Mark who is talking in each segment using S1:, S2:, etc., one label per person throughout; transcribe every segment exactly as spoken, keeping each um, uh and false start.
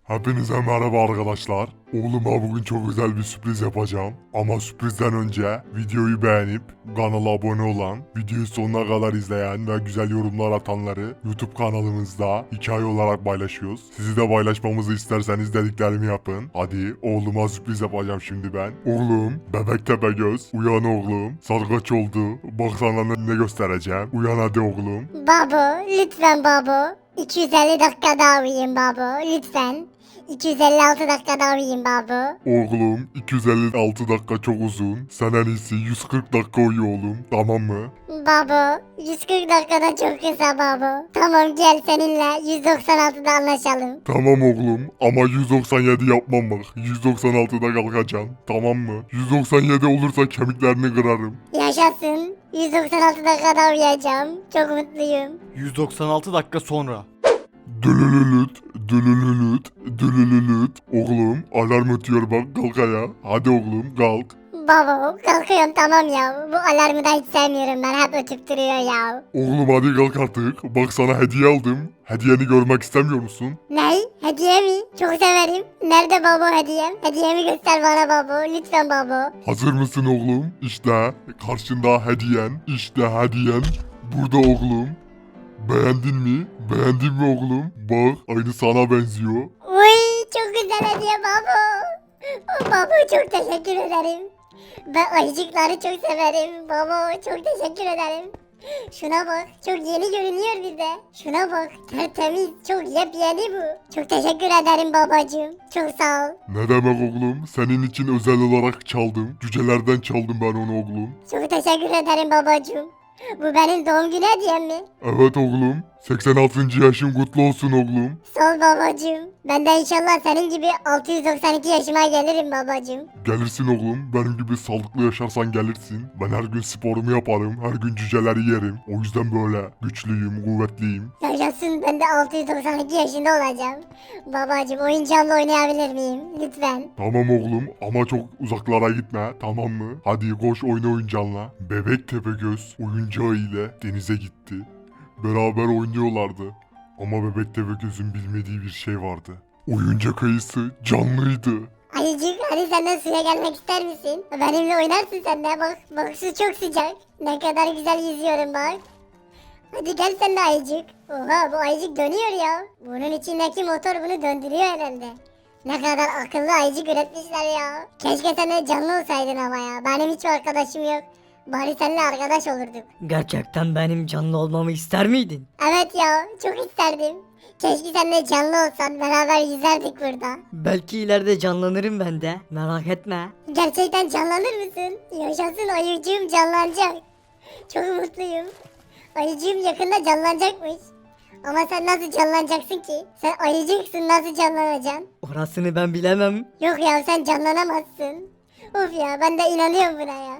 S1: Hepinize merhaba arkadaşlar. Oğluma bugün çok özel bir sürpriz yapacağım. Ama sürprizden önce videoyu beğenip kanala abone olan, videoyu sonuna kadar izleyen ve güzel yorumlar atanları YouTube kanalımızda hikaye olarak paylaşıyoruz. Sizi de paylaşmamızı isterseniz dediklerimi yapın. Hadi oğluma sürpriz yapacağım şimdi ben. Oğlum, bebek tepe göz, uyan oğlum. Saat kaç oldu? Bak sana ne, ne göstereceğim. Uyan hadi oğlum.
S2: Babo, lütfen babo. iki yüz elli dakika daha uyuyayım babo, lütfen. iki yüz elli altı dakika daha uyuyayım babo.
S1: Oğlum iki yüz elli altı dakika çok uzun. Sen en iyisi yüz kırk dakika uyu oğlum. Tamam mı?
S2: Babo, yüz kırk dakikada çok kısa babo. Tamam gel seninle yüz doksan altıda anlaşalım.
S1: Tamam oğlum ama yüz doksan yedi yapmam bak. yüz doksan altıda kalkacaksın. Tamam mı? yüz doksan yedi olursa kemiklerini kırarım.
S2: Yaşasın. yüz doksan altı dakikada uyuyacağım. Çok mutluyum.
S3: yüz doksan altı dakika sonra.
S1: Dülülülüt, dülülülüt, dülülülüt. Oğlum alarm ötüyor bak kalk ayağa. Hadi oğlum kalk.
S2: Babo, kalkıyorum tamam ya. Bu alarmı da hiç sevmiyorum ben. Hep ötüp duruyor ya.
S1: Oğlum hadi kalk artık. Bak sana hediye aldım. Hediyeni görmek istemiyor musun?
S2: Ney? Hediye mi? Çok severim. Nerede babo hediyem? Hediyemi göster bana babo. Lütfen babo.
S1: Hazır mısın oğlum? İşte karşında hediyen. İşte hediyen. Burada oğlum. Beğendin mi? Beğendin mi oğlum? Bak aynı sana benziyor.
S2: Uy çok güzel hediye babo. Babo çok teşekkür ederim. Ben ayıcıkları çok severim. Babo çok teşekkür ederim. Şuna bak çok yeni görünüyor bize. Şuna bak tertemiz çok yepyeni bu. Çok teşekkür ederim babacığım. Çok sağ ol.
S1: Ne demek oğlum? Senin için özel olarak çaldım. Cücelerden çaldım ben onu oğlum.
S2: Çok teşekkür ederim babacığım. Bu benim doğum günü hediyem mi?
S1: Evet oğlum. seksen altıncı yaşın kutlu olsun oğlum.
S2: Sağ ol babacığım. Ben de inşallah senin gibi altı yüz doksan iki yaşıma gelirim babacığım.
S1: Gelirsin oğlum. Benim gibi sağlıklı yaşarsan gelirsin. Ben her gün sporumu yaparım. Her gün cüceleri yerim. O yüzden böyle güçlüyüm, kuvvetliyim.
S2: Yaşasın ben de altı yüz doksan iki yaşında olacağım. Babacığım oyuncağımla oynayabilir miyim? Lütfen.
S1: Tamam oğlum ama çok uzaklara gitme tamam mı? Hadi koş oyna oyuncağınla. Bebek Tepegöz oyuncağı ile denize gitti. Beraber oynuyorlardı. Ama Bebek Tepegöz'ün bilmediği bir şey vardı. Oyuncak ayısı canlıydı.
S2: Ayıcık hadi sen de suya gelmek ister misin? Benimle oynarsın sen de bak. Bak su çok sıcak. Ne kadar güzel yüzüyorum bak. Hadi gel sen de ayıcık. Oha bu ayıcık dönüyor ya. Bunun içindeki motor bunu döndürüyor herhalde. Ne kadar akıllı ayıcık üretmişler ya. Keşke sen de canlı olsaydın ama ya. Benim hiç arkadaşım yok. Bari seninle arkadaş olurduk.
S4: Gerçekten benim canlı olmamı ister miydin?
S2: Evet ya çok isterdim. Keşke sen de canlı olsan beraber yüzerdik burada.
S4: Belki ileride canlanırım ben de. Merak etme.
S2: Gerçekten canlanır mısın? Yaşasın ayıcığım canlanacak. Çok mutluyum. Ayıcığım yakında canlanacakmış. Ama sen nasıl canlanacaksın ki? Sen ayıcıksın nasıl canlanacaksın?
S4: Orasını ben bilemem.
S2: Yok ya sen canlanamazsın. Of ya ben de inanıyorum buna ya.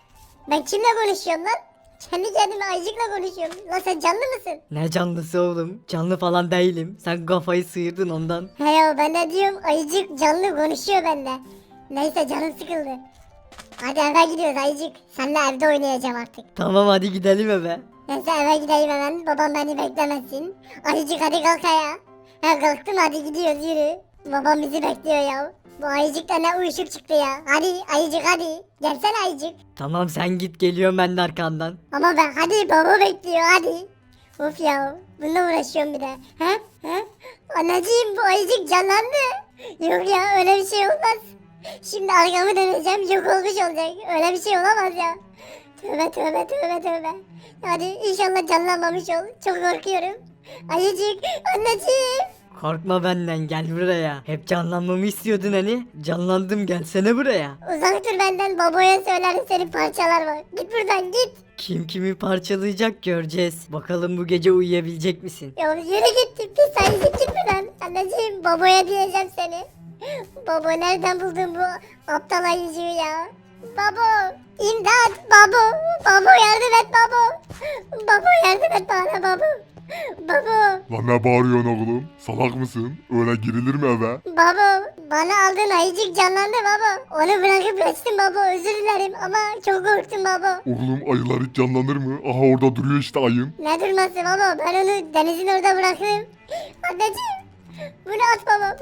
S2: Ben kimle konuşuyorum lan? Kendi kendime ayıcıkla konuşuyorum. Lan sen canlı mısın?
S4: Ne canlısı oğlum? Canlı falan değilim. Sen kafayı sıyırdın ondan.
S2: He ya ben de diyorum ayıcık canlı konuşuyor bende. Neyse canım sıkıldı. Hadi eve gidiyoruz ayıcık. Seninle evde oynayacağım artık.
S4: Tamam hadi gidelim eve.
S2: Neyse eve gideyim hemen. Babam beni beklemesin. Ayıcık hadi kalk ayağa. Ha kalktım hadi gidiyoruz yürü. Babam bizi bekliyor ya. Bu ayıcık da ne uyuşuk çıktı ya. Hadi ayıcık hadi. Gelsene ayıcık.
S4: Tamam sen git geliyorum ben de arkandan.
S2: Ama ben hadi baba bekliyor hadi. Of ya bununla uğraşıyorum bir de. Ha? Ha? Anneciğim bu ayıcık canlandı. Yok ya öyle bir şey olmaz. Şimdi arkamı döneceğim yok olmuş olacak. Öyle bir şey olamaz ya. Tövbe tövbe tövbe tövbe. Hadi inşallah canlanmamış ol. Çok korkuyorum. Ayıcık anneciğim.
S4: Korkma benden gel buraya. Hep canlanmamı istiyordun hani. Canlandım gelsene buraya.
S2: Uzak dur benden babaya söylerim seni parçalar bak. Git buradan git.
S4: Kim kimi parçalayacak göreceğiz. Bakalım bu gece uyuyabilecek misin?
S2: Ya yürü git pis ayıcık git buradan. Anneciğim babaya diyeceğim seni. Baba nereden buldun bu aptal ayıcığı ya? Babo imdat babo. Babo yardım et babo. Babo yardım et bana babo. Babo.
S1: Lan ne bağırıyorsun oğlum? Salak mısın? Öyle girilir mi eve?
S2: Baba bana aldığın ayıcık canlandı baba. Onu bırakıp kaçtım baba özür dilerim ama çok korktum baba.
S1: Oğlum ayılar hiç canlanır mı? Aha orada duruyor işte ayın.
S2: Ne durması baba ben onu denizin orada bıraktım. Anneciğim bunu at baba bunu evden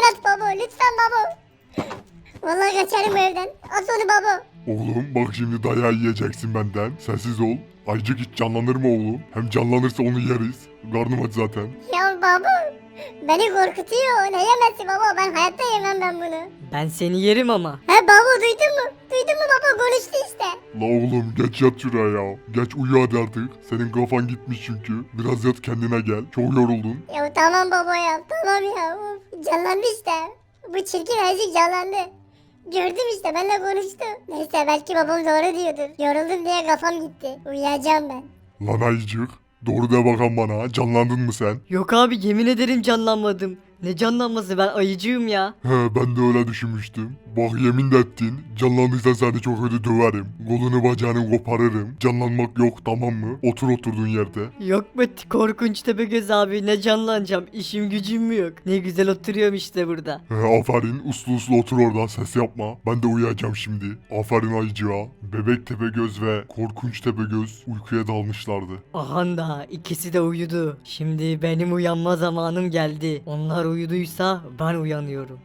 S2: at baba lütfen baba. Vallahi kaçarım bu evden. At onu baba.
S1: Oğlum bak şimdi dayağı yiyeceksin benden. Sessiz ol. Ayıcık hiç canlanır mı oğlum? Hem canlanırsa onu yeriz. Karnım aç zaten.
S2: Ya baba. Beni korkutuyor. Ne yemesi baba? Ben hayatta yemem ben bunu.
S4: Ben seni yerim ama.
S2: He baba duydun mu? Duydun mu baba? Konuştu işte.
S1: La oğlum geç yat şuraya ya. Geç uyu hadi artık. Senin kafan gitmiş çünkü. Biraz yat kendine gel. Çok yoruldun.
S2: Ya tamam baba ya. Tamam ya. Of, canlandı işte. Bu çirkin ayıcık canlandı. Gördüm işte benimle konuştu. Neyse belki babam doğru diyordur. Yoruldum diye kafam gitti. Uyuyacağım ben.
S1: Lan ayıcık. Doğru de bakan bana. Canlandın mı sen?
S4: Yok abi yemin ederim canlanmadım. Ne canlanması, ben ayıcığım ya.
S1: He ben de öyle düşünmüştüm. Bak yemin de ettin. Canlandıysan seni çok kötü döverim. Kolunu bacağını koparırım. Canlanmak yok tamam mı? Otur oturduğun yerde.
S4: Yok be korkunç Tepegöz abi, ne canlanacağım, işim gücüm mü yok. Ne güzel oturuyorum işte burada.
S1: He aferin uslu uslu otur orada ses yapma. Ben de uyuyacağım şimdi. Aferin ayıcığa. Bebek Tepegöz ve Korkunç Tepegöz uykuya dalmışlardı.
S4: Ahan da ikisi de uyudu. Şimdi benim uyanma zamanım geldi. Onlar uyuduysa ben uyanıyorum.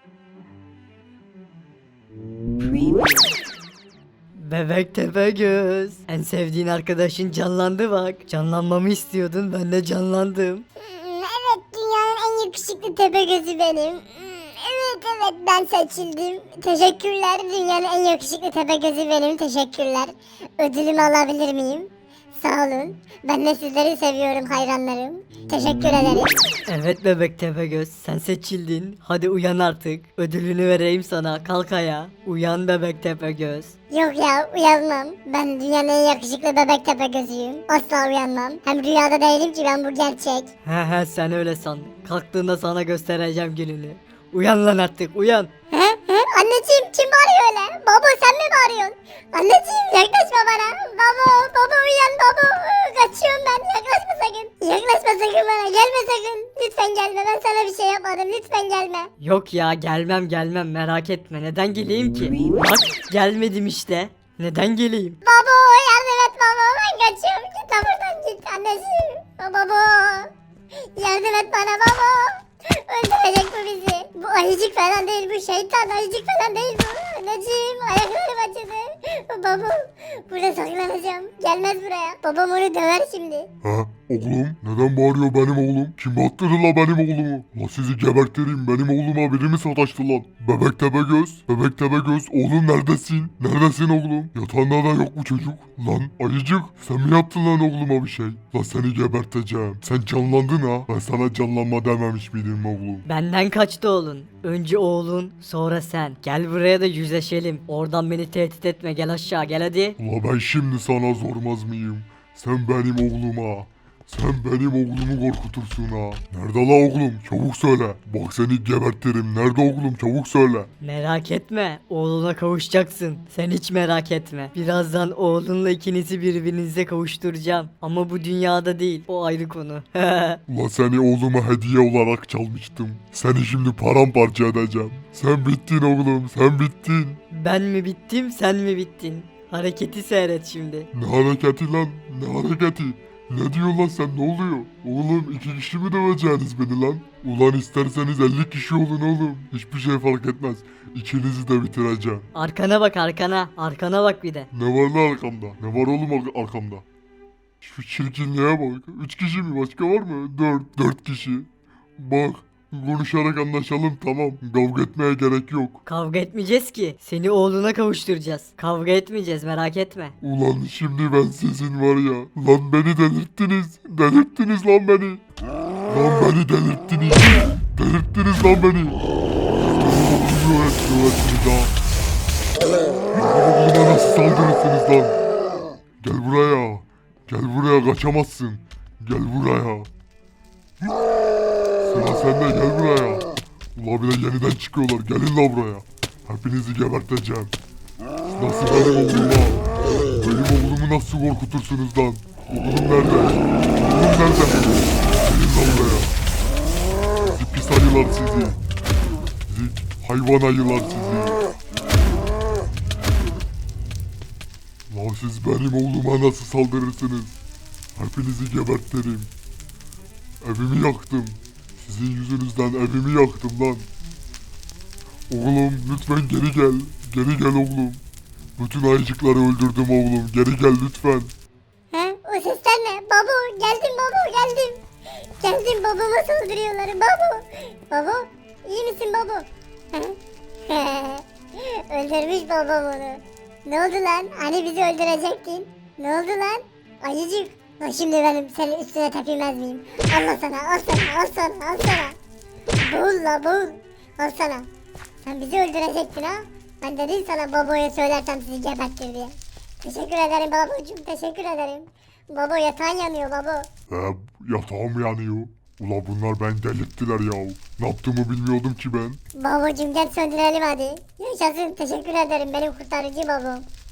S4: Bebek Tepegöz. En sevdiğin arkadaşın canlandı bak. Canlanmamı istiyordun, ben de canlandım.
S2: Hmm, Evet dünyanın en yakışıklı Tepegözü benim. Hmm, Evet evet ben seçildim. Teşekkürler dünyanın en yakışıklı Tepegözü benim. Teşekkürler. Ödülümü alabilir miyim? Sağ olun. Ben de sizleri seviyorum hayranlarım. Teşekkür ederim.
S4: Evet bebek Tepegöz, sen seçildin. Hadi uyan artık. Ödülünü vereyim sana. Kalk ayağa. Uyan bebek Tepegöz.
S2: Yok ya uyanmam. Ben dünyanın en yakışıklı bebek Tepegözüyüm. Asla uyanmam. Hem rüyada değilim ki ben bu gerçek.
S4: He he sen öyle san. Kalktığında sana göstereceğim gününü. Uyan lan artık uyan.
S2: He he anneciğim kim bağırıyor öyle? Baba sen mi bağırıyorsun? Anneciğim yaklaşma bana. Baba baba uyan baba. Kaçıyorum ben yaklaşma sakın. Yaklaşma sakın bana gelme sakın. Lütfen gelme ben sana bir şey yapmadım lütfen gelme.
S4: Yok ya gelmem gelmem merak etme. Neden geleyim ki? Bak gelmedim işte. Neden geleyim?
S2: Baba yardım et baba ben kaçıyorum. Git lan buradan git anneciğim. Baba yardım et bana baba. Öldürecek bu bizi. Bu ayıcık falan değil bu şeytan ayıcık falan değil bu. Anneciğim ayaklarım acıdı. Baba burada saklanacağım. Gelmez buraya. Babam onu döver şimdi.
S1: He oğlum neden bağırıyor benim oğlum? Kim attırdı la benim oğlumu? La sizi gebertirim benim oğluma biri mi sataştı lan? Bebek Tepegöz, Bebek Tepegöz oğlum neredesin? Neredesin oğlum? Yatağında da yok bu çocuk. Lan ayıcık sen mi yaptın lan oğluma bir şey? La seni geberteceğim. Sen canlandın ha. Ben sana canlanma dememiş miydim oğlum?
S4: Benden kaçtı oğlun. Önce oğlun sonra sen. Gel buraya da yüzleşelim. Oradan beni tehdit etme, gel aşağı gel hadi.
S1: La ben şimdi sana zormaz mıyım? Sen benim oğluma. Sen benim oğlumu korkutursun ha. Nerede la oğlum? Çabuk söyle. Bak seni gebertirim. Nerede oğlum? Çabuk söyle.
S4: Merak etme, oğluna kavuşacaksın. Sen hiç merak etme. Birazdan oğlunla ikinizi birbirinize kavuşturacağım. Ama bu dünyada değil, o ayrı konu.
S1: La seni oğluma hediye olarak çalmıştım. Seni şimdi paramparça edeceğim. Sen bittin oğlum. Sen bittin.
S4: Ben mi bittim, sen mi bittin? Hareketi seyret şimdi.
S1: Ne hareketi lan? Ne hareketi? Ne diyor lan sen ne oluyor? Oğlum iki kişi mi döveceğiniz beni lan? Ulan isterseniz elli kişi olun oğlum. Hiçbir şey fark etmez. İkinizi de bitireceğim.
S4: Arkana bak arkana, arkana bak bir de.
S1: Ne var lan arkamda? Ne var oğlum ar- arkamda? Şu çirkinliğe bak. Üç kişi mi? Başka var mı? Dört. Dört kişi. Bak. Konuşarak anlaşalım tamam. Kavga etmeye gerek yok.
S4: Kavga etmeyeceğiz ki. Seni oğluna kavuşturacağız. Kavga etmeyeceğiz, merak etme.
S1: Ulan şimdi ben sizin var ya. Lan beni delirttiniz. Delirttiniz lan beni. Lan beni delirttiniz. Delirttiniz lan beni. Siz beni öğrettiniz ha. Oğluma nasıl saldırırsınız lan? Gel buraya. Gel buraya kaçamazsın. Gel buraya. Sıra sende gel buraya. Ula bir de yeniden çıkıyorlar. Gelin la buraya. Hepinizi geberteceğim. Nasıl benim oğlum ha? Benim oğlumu nasıl korkutursunuz lan? Oğlum nerede? Oğlum nerede? Gelin la buraya. Sizi pis ayılar sizi. Sizi hayvan ayılar sizi. La siz benim oğluma nasıl saldırırsınız? Hepinizi gebertirim. Evimi yaktım. Sizin yüzünüzden evimi yaktım lan. Oğlum lütfen geri gel. Geri gel oğlum. Bütün ayıcıkları öldürdüm oğlum. Geri gel lütfen.
S2: He? O sesler ne? Babo geldim babo geldim. Geldim babama saldırıyorlar babo. Babo iyi misin babo? Öldürmüş babam onu. Ne oldu lan? Hani bizi öldürecektin? Ne oldu lan? Ayıcık. Lan şimdi benim senin üstüne tepinmez miyim? Allah sana al sana al sana al sana. Boğul la boğul. Al sana. Sen bizi öldürecektin ha? Ben dedim sana baboya söylersem sizi gebertir diye. Teşekkür ederim babacığım teşekkür ederim. Babo yatağın yanıyor babo.
S1: He, yatağım yanıyor. Ula bunlar beni delirttiler ya. Ne yaptığımı bilmiyordum ki ben.
S2: Babacığım gel söndürelim hadi. Yaşasın teşekkür ederim benim kurtarıcı babam.